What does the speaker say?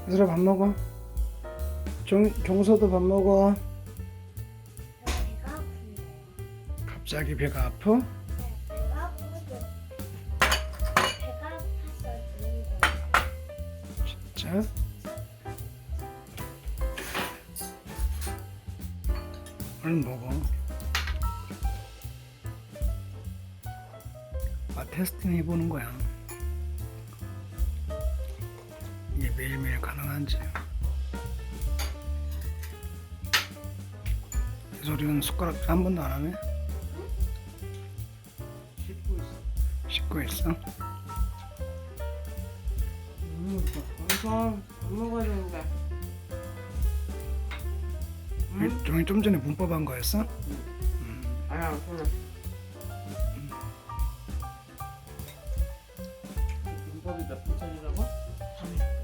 얘들아 밥 먹어. 종서도 밥 먹어. 배가 아픈데. 갑자기 배가 아파? 네, 배가 아프고 배가 아파서 죽는 거예요. 자, 얼른 먹어. 테스팅 해보는 거야. 이게 매일매일 가능한지. 이 소리는 숟가락 한 번도 안 하네? 씻고 있어. 씻고 있어? 엄청 밥 먹어야 되는데. 종이 좀 전에 문법 한 거였어? 아야, 그냥. 문법이 몇 분짜리라고? 3일.